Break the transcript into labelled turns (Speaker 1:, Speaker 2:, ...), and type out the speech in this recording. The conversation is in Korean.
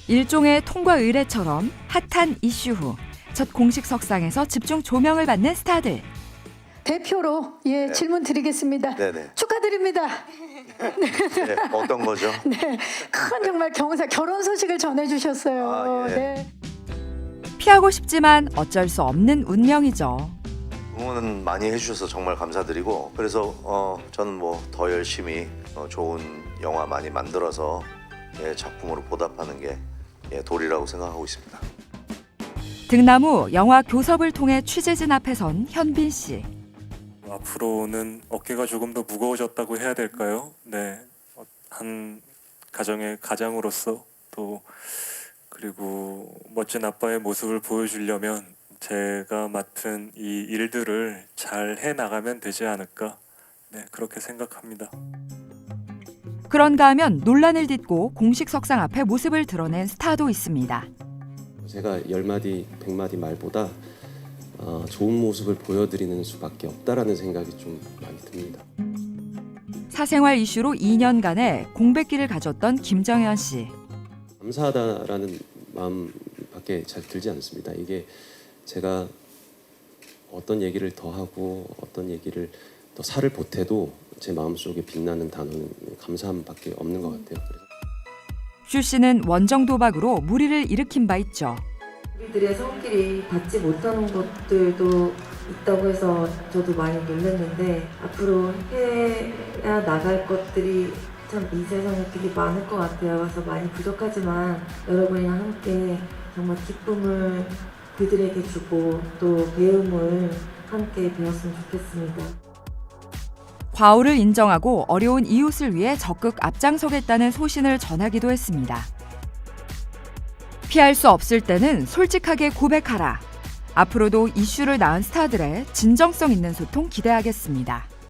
Speaker 1: 일종의 통과 의례처럼 핫한 이슈 후 첫 공식 석상에서 집중 조명을 받는 스타들.
Speaker 2: 대표로 질문 드리겠습니다.
Speaker 3: 네네.
Speaker 2: 축하드립니다.
Speaker 3: 네, 어떤 거죠?
Speaker 2: 네, 큰 정말 결혼 소식을 전해주셨어요.
Speaker 3: 아, 예.
Speaker 2: 네.
Speaker 1: 피하고 싶지만 어쩔 수 없는 운명이죠.
Speaker 3: 응원은 많이 해주셔서 정말 감사드리고, 그래서 저는 뭐 더 열심히 좋은 영화 많이 만들어서 작품으로 보답하는 게 도리라고 생각하고 있습니다.
Speaker 1: 등나무 영화 교섭을 통해 취재진 앞에 선 현빈 씨.
Speaker 4: 앞으로는 어깨가 조금 더 무거워졌다고 해야 될까요? 네, 한 가정의 가장으로서 또 그리고 멋진 아빠의 모습을 보여주려면 제가 맡은 이 일들을 잘 해나가면 되지 않을까, 네, 그렇게 생각합니다.
Speaker 1: 그런가 하면 논란을 딛고 공식 석상 앞에 모습을 드러낸 스타도 있습니다.
Speaker 5: 제가 10마디, 100마디 말보다 좋은 모습을 보여드리는 수밖에 없다라는 생각이 좀 많이 듭니다.
Speaker 1: 사생활 이슈로 2년간의 공백기를 가졌던 김정현 씨.
Speaker 5: 감사하다라는 마음밖에 잘 들지 않습니다. 이게 제가 어떤 얘기를 더 하고 어떤 얘기를 더 살을 보태도 제 마음속에 빛나는 단어는 감사함밖에 없는 것 같아요.
Speaker 1: 슈 씨는 원정 도박으로 무리를 일으킨 바 있죠.
Speaker 6: 우리들의 성질이 닿지 못하는 것들도 있다고 해서 저도 많이 놀랐는데, 앞으로 해야 나갈 것들이 참 이 세상에 되게 많을 것 같아요. 그래서 많이 부족하지만 여러분이랑 함께 정말 기쁨을 그들에게 주고 또 배움을 함께 배웠으면 좋겠습니다.
Speaker 1: 과오를 인정하고 어려운 이웃을 위해 적극 앞장서겠다는 소신을 전하기도 했습니다. 피할 수 없을 때는 솔직하게 고백하라. 앞으로도 이슈를 낳은 스타들의 진정성 있는 소통 기대하겠습니다.